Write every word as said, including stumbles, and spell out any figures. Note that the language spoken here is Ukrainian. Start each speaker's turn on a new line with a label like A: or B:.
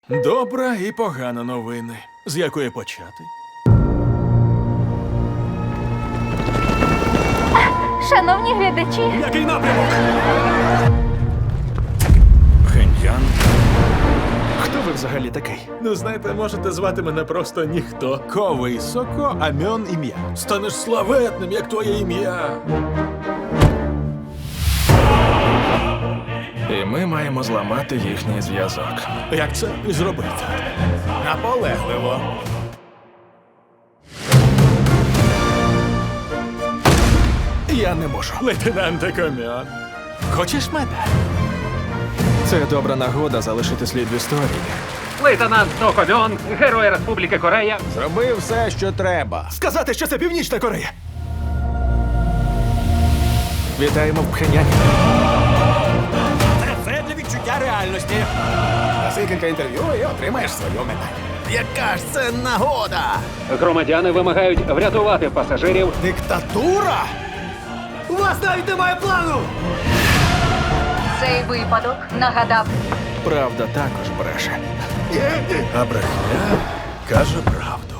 A: Добра і погана новини. З якої почати?
B: Шановні глядачі,
A: Який напрямок? Пхеньян? Хто ви взагалі такий? Ну, знаєте, можете звати мене просто ніхто. Ковий Соко, Амьон ім'я. Станеш славетним, як твоє ім'я. І ми маємо зламати їхній зв'язок. Як це і зробити? Наполегливо. Я не можу. Лейтенанте Комьон. Хочеш медаль? Це добра нагода залишити слід в історії.
C: Лейтенант Сокомьон, Герой Республіки Корея.
D: Зроби все, що треба.
A: Сказати, що це Північна Корея. Вітаємо в Пхеньяні.
D: Це для відчуття реальності. Даси кілька інтерв'ю і отримаєш свою медаль. Яка ж це нагода?
C: Громадяни вимагають врятувати пасажирів.
D: Диктатура? У вас навіть немає плану!
B: цей випадок нагадав
A: Правда також бреше. А брехня каже правду.